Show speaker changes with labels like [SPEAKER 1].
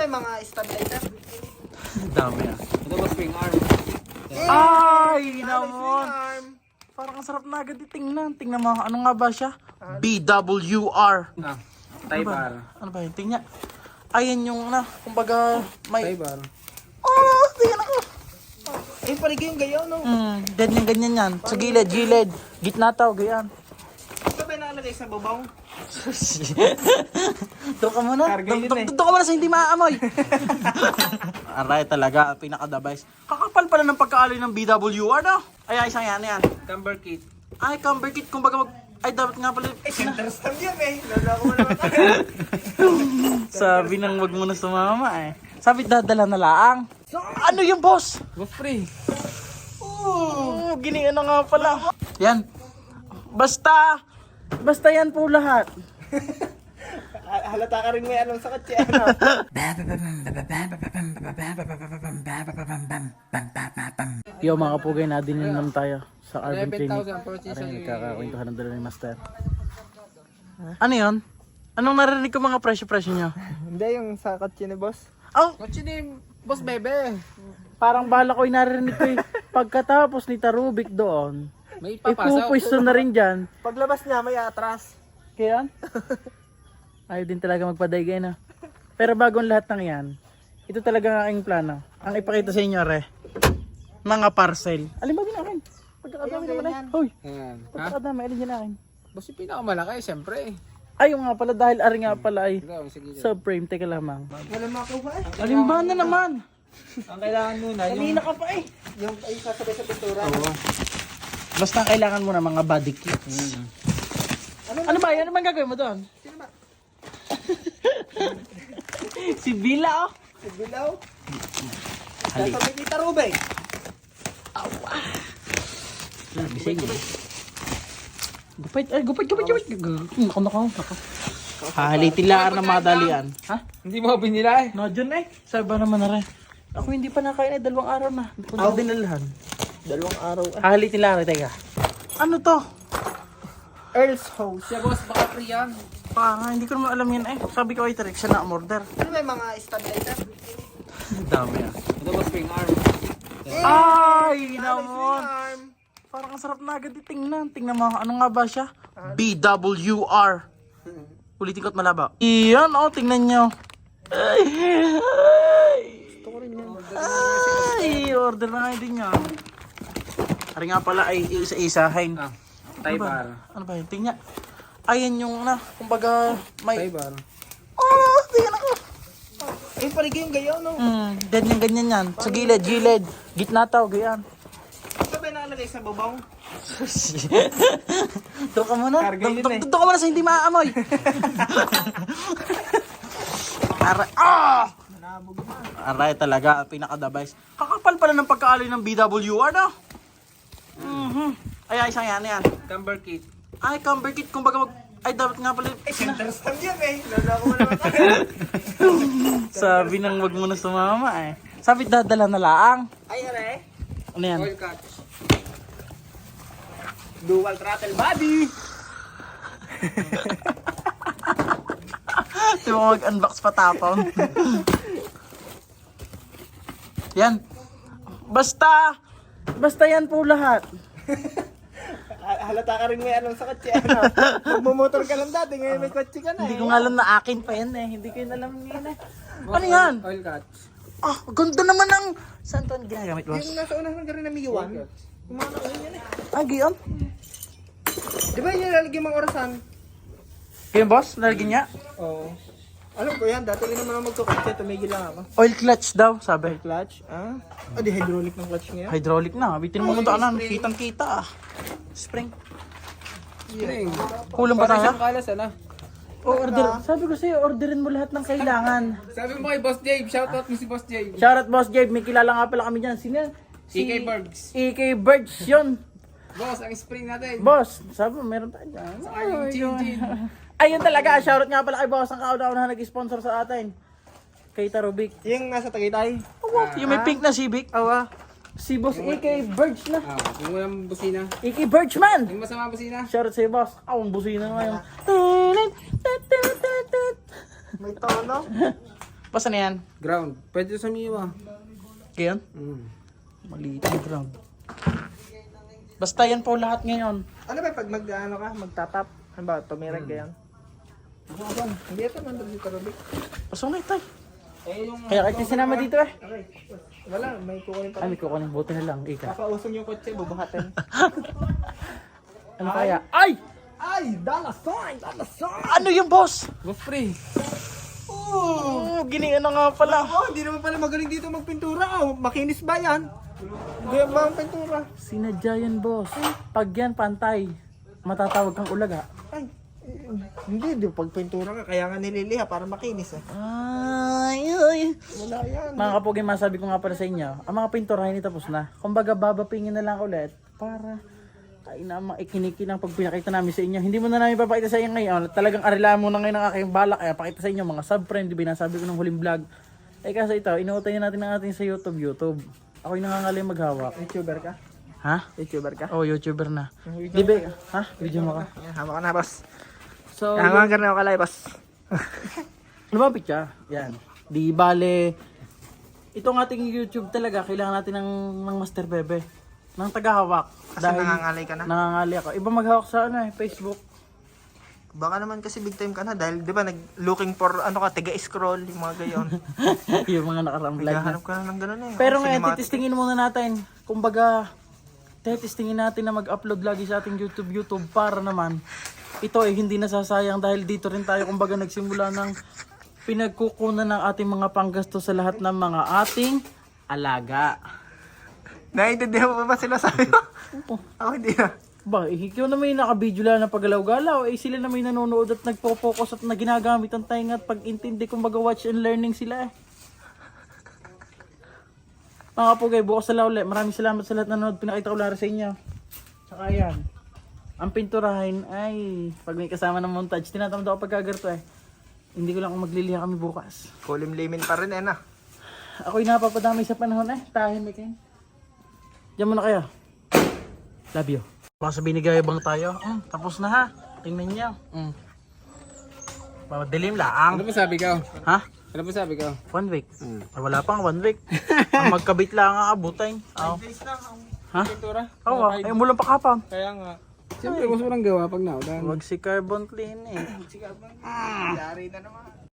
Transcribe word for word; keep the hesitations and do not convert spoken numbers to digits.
[SPEAKER 1] may mga stabilizer?
[SPEAKER 2] Dami ah.
[SPEAKER 3] Ito ba spring arm?
[SPEAKER 2] Ay,
[SPEAKER 1] Swing
[SPEAKER 2] namon.
[SPEAKER 1] arm.
[SPEAKER 2] Parang ang sarap na agad itingnan. Tingnan mo, ano nga ba siya? B W R.
[SPEAKER 3] Ah,
[SPEAKER 2] Ano
[SPEAKER 3] Type
[SPEAKER 2] ba?
[SPEAKER 3] R.
[SPEAKER 2] Ano ba yun? Tingnan. Ayan yung na, kumbaga may...
[SPEAKER 3] Type R.
[SPEAKER 2] Oh, tingnan ako.
[SPEAKER 1] Eh, paligay yung gayaw, no?
[SPEAKER 2] Hmm, ganyan ganyan yan. Sa gilid, gilid. Gitna tao, ganyan.
[SPEAKER 1] Ito ba yung nakalagay sa babaw?
[SPEAKER 2] Doon ka muna.
[SPEAKER 1] Karga yun
[SPEAKER 2] Doon
[SPEAKER 1] eh.
[SPEAKER 2] doon ka muna sa hindi maaamoy. Aray talaga, pinaka-device. Kakapal pala ng pagkaali ng B W R, no? Ay, ay, isang yan, yan.
[SPEAKER 3] Camber kit.
[SPEAKER 2] Ay, camber kit, kumbaga mag... Ay, dapat nga pala...
[SPEAKER 1] Eh, center stand yan eh. Lala ko mo naman.
[SPEAKER 2] Sabi nang wag mo na sumama eh. Sabi dadala na laang. Ano yung boss?
[SPEAKER 3] Go spray.
[SPEAKER 2] Oh, ginian na nga pala. Yan. Basta, basta yan po lahat.
[SPEAKER 1] Halata ka rin may anong sakit siya, ano?
[SPEAKER 2] Yo mga kapugay, nadin naman tayo sa Urban
[SPEAKER 3] eleven
[SPEAKER 2] Clinic.
[SPEAKER 3] thousand purchase
[SPEAKER 2] Aray,
[SPEAKER 3] sa-
[SPEAKER 2] nagkakakwentuhan ng dala ni Master. Ano yun? Anong narinig ko mga presyo-presyo nyo?
[SPEAKER 1] Hindi, yung sa kotse ni boss.
[SPEAKER 2] Oh,
[SPEAKER 3] Kotse ni Boss Bebe.
[SPEAKER 2] parang bala ko yung narinig ko eh. Pagkatapos ni Tarubik doon,
[SPEAKER 3] May papasok.
[SPEAKER 2] ipupwisto na rin dyan.
[SPEAKER 1] Paglabas niya, may atras.
[SPEAKER 2] Kaya? Ayaw din talaga magpadaygay na. Pero bago ang lahat ng yan, ito talaga ang aking plano. Ang ipakita sa inyo, re. Mga parcel. Alin ba din akin? Pagkakadami
[SPEAKER 1] Ayun,
[SPEAKER 2] naman eh.
[SPEAKER 1] ganyan.
[SPEAKER 2] Hoy,
[SPEAKER 3] Ayan. Ha?
[SPEAKER 2] pagkakadami, alin dyan akin?
[SPEAKER 3] Boss yung pinakamalaki, siyempre.
[SPEAKER 2] Ay, yung nga pala, dahil ari nga pala ay
[SPEAKER 3] Ikaw, sige.
[SPEAKER 2] subframe. Teka lamang.
[SPEAKER 1] Wala makuha eh.
[SPEAKER 2] Alin ba na naman?
[SPEAKER 3] Ang kailangan muna, yung...
[SPEAKER 2] Kanina ka pa eh.
[SPEAKER 1] Yung ay sasabay sa pintura.
[SPEAKER 3] Oo.
[SPEAKER 2] Basta ang kailangan mo na mga body kits.
[SPEAKER 3] Mm.
[SPEAKER 2] Ano ba? Ano bang gagawin mo doon?
[SPEAKER 1] Sino ba?
[SPEAKER 2] Si Bila oh.
[SPEAKER 1] Si Bilaw?
[SPEAKER 2] Hali.
[SPEAKER 1] Sasabay ni Tarubay.
[SPEAKER 2] Bising. Gupit, ay gupit, gupit, gupit. Nako, nako, nako. Halitilaan na madalian. Ha?
[SPEAKER 3] Hindi mo binila eh.
[SPEAKER 2] No, dyan eh. Sabi ba naman na rin. Ako hindi pa nakain eh, dalawang araw na. Hindi ko na dinalahan.
[SPEAKER 1] Dalawang araw.
[SPEAKER 2] Halitilaan, teka. Ano to?
[SPEAKER 1] Earl's House.
[SPEAKER 3] Siya boss, baka free yan.
[SPEAKER 2] Parang hindi ko naman alam yan eh. Sabi ko ay direction na umorder.
[SPEAKER 1] Ano may mga stabilizer?
[SPEAKER 2] Dami ah.
[SPEAKER 3] Ito ba spring arm?
[SPEAKER 2] Ay,
[SPEAKER 1] Swing
[SPEAKER 2] namon.
[SPEAKER 1] arm.
[SPEAKER 2] Parang ang sarap na agad itingnan. Tingnan mo, ano nga ba siya? B W R. Ulitin ko at malaba. Iyan, oh, tingnan nyo. Ay, ay,
[SPEAKER 1] Gusto ko rin yan.
[SPEAKER 2] ay, order na nga din yan. Ari nga pala ay isa-isahin.
[SPEAKER 3] Ah,
[SPEAKER 2] Ano
[SPEAKER 3] Type
[SPEAKER 2] ba?
[SPEAKER 3] R.
[SPEAKER 2] Ano ba yun? Tingnan. Ayan yung na, kumbaga may...
[SPEAKER 3] Type R.
[SPEAKER 2] Oh, tingnan ako.
[SPEAKER 1] Eh, paligay yung gayaw, no?
[SPEAKER 2] Hmm, ganyan ganyan yan. Sa gilid, gilid. Gitna tao, ganyan.
[SPEAKER 1] Ito ba yung nakalagay sa babaw?
[SPEAKER 2] Doon ka muna.
[SPEAKER 1] Karga yun
[SPEAKER 2] Doon
[SPEAKER 1] eh.
[SPEAKER 2] doon ka muna sa hindi maaamoy. Aray, ah!
[SPEAKER 1] Manabog na.
[SPEAKER 2] Aray talaga, pinaka-device. Kakapal pala ng pagkaali ng B W R, no? Mhm. Ay, ay, isang yan, yan.
[SPEAKER 3] Camber kit.
[SPEAKER 2] Ay, camber kit, kumbaga mag... Ay, dapat nga pala...
[SPEAKER 1] Eh, center stand yan eh. Lala ko mo naman.
[SPEAKER 2] Sabi nang wag mo na sumama eh. Sabi dadala na laang.
[SPEAKER 1] Ay, are.
[SPEAKER 2] Ano yan?
[SPEAKER 3] Oil catch.
[SPEAKER 1] Dual throttle body.
[SPEAKER 2] Di mo mag-unbox pa tapon. Yan. Basta, basta yan po lahat.
[SPEAKER 1] Ha- Halata ka rin may anong sakit siya, ano? Magmumotor ka lang dati, ngayon may kotse ka na
[SPEAKER 2] Hindi
[SPEAKER 1] eh.
[SPEAKER 2] ko nga alam na akin pa yan eh. Hindi ko yun alam yun eh. Ano yan?
[SPEAKER 3] Oil catch.
[SPEAKER 2] Ah, ganda naman ng... Saan ito ginagamit, boss?
[SPEAKER 1] Yung nasa unahan ka rin na may iwan. Yung mga nakuha yan eh.
[SPEAKER 2] Ah, giyon.
[SPEAKER 1] Di ba yung lalagyan mga orasan?
[SPEAKER 2] Kaya boss, nalagyan niya.
[SPEAKER 1] Oo. Alam ko yan, dati rin naman ako magkakotse, tumigil lang ako.
[SPEAKER 2] Oil clutch daw, sabi.
[SPEAKER 1] Clutch? Ah? Ah, di hydraulic ng clutch ngayon.
[SPEAKER 2] Hydraulic na. Bitin mo muna kanan. Kitang kita ah. Spring.
[SPEAKER 3] Spring.
[SPEAKER 2] Kulang pa
[SPEAKER 3] Parang
[SPEAKER 2] tayo?
[SPEAKER 3] siyang kalas, ano?
[SPEAKER 2] O, order. Sabi ko sa'yo, orderin mo lahat ng kailangan.
[SPEAKER 3] Sabi mo kay Boss Jabe, shoutout mo si Boss Jabe.
[SPEAKER 2] Shoutout Boss Gabe, may kilala nga pala kami dyan. Sino yan?
[SPEAKER 3] E K Bergs.
[SPEAKER 2] E K Birds yun.
[SPEAKER 3] Boss, ang spring natin.
[SPEAKER 2] Boss, sabi mo, meron tayo dyan.
[SPEAKER 3] Saka yung chin-chin.
[SPEAKER 2] Ayun talaga, shoutout nga pala kay Boss ang kauna na nag-sponsor sa atin. Kay Tarubik.
[SPEAKER 1] Yung nasa Tagaytay.
[SPEAKER 2] Oh, yung may pink na Civic.
[SPEAKER 1] Awa.
[SPEAKER 2] Si Boss E K Birds na.
[SPEAKER 3] Ah, yung walang busina.
[SPEAKER 2] E K Birds man.
[SPEAKER 3] Yung masama busina.
[SPEAKER 2] Shoutout sa'yo, Boss. Ako, ang busina na ngayon.
[SPEAKER 1] May tono.
[SPEAKER 2] Basta na yan.
[SPEAKER 3] Ground. Pwede sa Miwa.
[SPEAKER 2] Kaya
[SPEAKER 3] Mm.
[SPEAKER 2] maliit yung ground. Basta yan po lahat ngayon.
[SPEAKER 1] Ano ba pag mag ano ka, magtatap? Ano ba, tumirag ka yan? Hindi ito nandun dito, Rubik.
[SPEAKER 2] Pasok na ito.
[SPEAKER 1] Eh, yung...
[SPEAKER 2] Kaya kahit sinama dito eh.
[SPEAKER 1] Okay. Wala, may kukunin pa.
[SPEAKER 2] Ay, may kukunin. Buti na lang. Ika.
[SPEAKER 1] Papausong yung kotse, bubuhatin.
[SPEAKER 2] Ano kaya? Ay!
[SPEAKER 1] Ay! Dollar sign! Dollar sign!
[SPEAKER 2] Ano yung boss?
[SPEAKER 3] Boss pre.
[SPEAKER 2] Oh, ginian na nga pala.
[SPEAKER 1] Oh, hindi naman pala magaling dito magpintura. Oh, makinis ba yan? Hindi ba ang pintura?
[SPEAKER 2] Sinadya yan, boss. Pag yan pantay, matatawag kang ulaga.
[SPEAKER 1] Ay, eh, hindi. Di pag pintura ka, kaya nga nililiha para makinis eh.
[SPEAKER 2] Ay, ay.
[SPEAKER 1] Wala yan.
[SPEAKER 2] Mga kapugi, masabi ko nga pala sa inyo, ang mga pinturahin tapos na. Kumbaga, babapingin na lang ulit para ay na maikinikin ang pag pinakita namin sa inyo. Hindi mo na namin papakita sa inyo ngayon. Talagang arilaan mo na ngayon ang aking balak. Kaya pakita sa inyo mga sub-friend. Di ba nasabi ko ng huling vlog. Eh kasi ito, inuutayin natin ang ating sa YouTube. YouTube. Ako'y nangangalay maghawak.
[SPEAKER 1] YouTuber ka?
[SPEAKER 2] Ha?
[SPEAKER 1] YouTuber ka?
[SPEAKER 2] Oh, YouTuber na. Di ba? Ha? Video mo ka.
[SPEAKER 1] Ayan, hama ka na, boss.
[SPEAKER 2] So,
[SPEAKER 1] Hama ka na ako kalay, boss.
[SPEAKER 2] lumapit siya. Yan. Di bale, itong ating YouTube talaga, kailangan natin ng, ng Master Bebe. Ng tagahawak.
[SPEAKER 1] Kasi nangangalay ka na.
[SPEAKER 2] Nangangali ako. Iba maghawak sa ano eh, Facebook.
[SPEAKER 1] Baka naman kasi big time ka na dahil di ba nag looking for ano ka, tiga-scroll, yung mga gayon.
[SPEAKER 2] Yung mga nakarang vlog na.
[SPEAKER 1] Naghahanap ka na ng gano'n eh.
[SPEAKER 2] Pero
[SPEAKER 1] Oh,
[SPEAKER 2] ngayon,
[SPEAKER 1] cinematic.
[SPEAKER 2] titistingin muna natin. Kumbaga, titistingin natin na mag-upload lagi sa ating YouTube YouTube para naman ito ay hindi nasasayang dahil dito rin tayo kumbaga nagsimula ng pinagkukunan ng ating mga panggasto sa lahat ng mga ating alaga.
[SPEAKER 1] Naiintindihan mo ba sila sabi ko?
[SPEAKER 2] Oh,
[SPEAKER 1] Ako hindi na.
[SPEAKER 2] ba, eh, ikaw na may nakabidyo lang na paggalaw-galaw, eh sila na may nanonood at nagpo-focus at na ginagamit ang tainga at pag-intindi kumbaga watch and learning sila eh. Mga kapugay, bukas na ulit. Maraming salamat sa lahat na nanood. Pinakita ko lang sa inyo. Tsaka yan. Ang pinturahin ay pag may kasama ng montage. Tinatamad ako pagkagarto eh. Hindi ko lang kung magliliha kami bukas.
[SPEAKER 1] Kulim-limin pa rin eh na.
[SPEAKER 2] Ako'y napapadami sa panahon eh. Tahimik eh. Diyan muna kayo. Love you. Baka sabihin ni Gayabang tayo. Mm, tapos na ha. Tingnan niyo. Mm. Madilim laang.
[SPEAKER 3] Ano ba sabi ko?
[SPEAKER 2] Ha?
[SPEAKER 3] Ano ba sabi ko?
[SPEAKER 2] One week.
[SPEAKER 3] Hmm.
[SPEAKER 2] Ay, wala pang one week. Ang magkabit lang ang abutin. Oh.
[SPEAKER 1] Days lang ang
[SPEAKER 2] Ha?
[SPEAKER 1] pintura.
[SPEAKER 2] Oo, oh, ay mulang pakapang.
[SPEAKER 1] Kaya nga.
[SPEAKER 3] Siyempre, gusto mo lang gawa pag naulan.
[SPEAKER 2] Huwag si carbon clean eh.
[SPEAKER 1] Sige, abang. Yari na naman.